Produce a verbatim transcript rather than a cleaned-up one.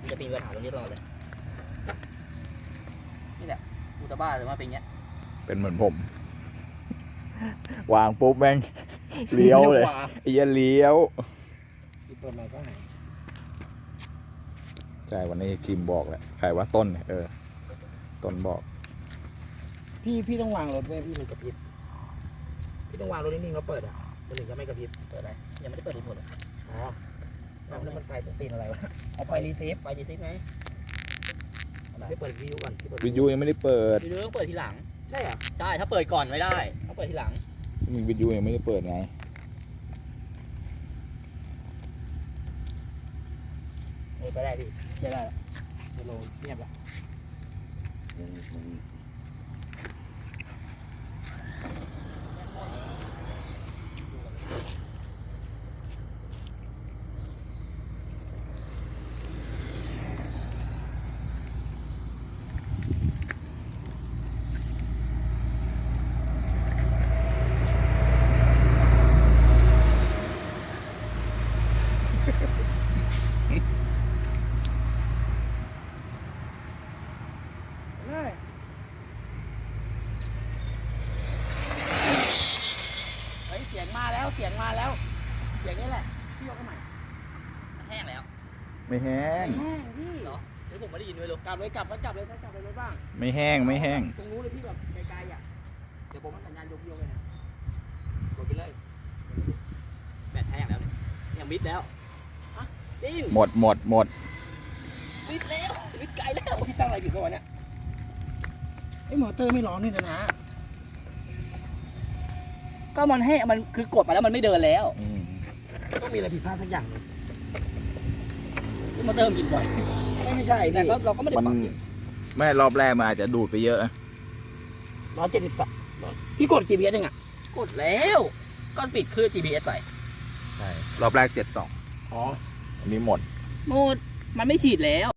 จะมีปัญหาตรงนี้ตลอดเลยนี่แหละอุตบ้าหรือว่าเป็นอย่างเงี้ยเป็นเหมือนผม วางปุ๊บแม่งเลี้ยวเลยไอ้เหี้ยเลี้ยวเปิดใหม่ก็หายใช่วันนี้คิมบอกแหละใครว่าต้นเออต้นบอกพี่พี่ต้องวางรถไว้พี่ถึงกระพริบพี่ต้องวางรถนิ่งๆแล้วเปิดอ่ะมันถึงจะไม่กระพริบเปิดอะไรยังไม่ได้เปิดรีโมทเลยอ๋อแล้วมันไฟตีนอะไรวะเอาไฟรีเซฟไฟรีเซฟไหมพี่เปิดวิวก่อนวิทยุยังไม่ได้เปิดวิทยุต้องเปิดทีหลังใช่เหรอใช่ถ้าเปิดก่อนไม่ได้ต้องเปิดทีหลังมีวิทยุยังไม่ได้เปิดไงเออไปได้ดิจะได้จะโลเงียบละเสียงมาแล้วเสียงมาแล้วเสียงนี้แหละพี่ยกขึ้นใหม่แห้งแล้วไม่แห้งแห้งพี่เหรอหรือผมไม่ได้ยินด้วยลูกกลับเลยกลับแล้วกลับเลยกลับเลยรถบ้างไม่แห้งไม่แห้งตรงนู้นเลยพี่แบบไกลๆอ่ะเดี๋ยวผมสัญญาณยกโยกเลยนะกดไปเลยแบตแห้งแล้วเนี่ยยังมิดแล้วจริงหมดหมดหมดมิดแล้วมิดไกลแล้วพี่ตั้งอะไรผิดตัวเนี่ยไอ้มอเตอร์ไม่ร้อนนี่นะนะก็มันให้มันคือกดมาแล้วมันไม่เดินแล้วต้องมีอะไรผิดพลาดสักอย่างเลยมอเตอร์มันกินบ่อยไม่ไม่ใช่แต่ก็เราก็ไม่ได้ปรับแม่รอบแรกมาอาจจะดูดไปเยอะร้อยเจ็ดสิบสองพี่กด จี พี เอส ยังอ่ะกดแล้วก็ปิดคือ จี พี เอส ใส่ใช่รอบแรกเจ็ดสองอ๋ออันนี้หมดหมดมันไม่ฉีดแล้ว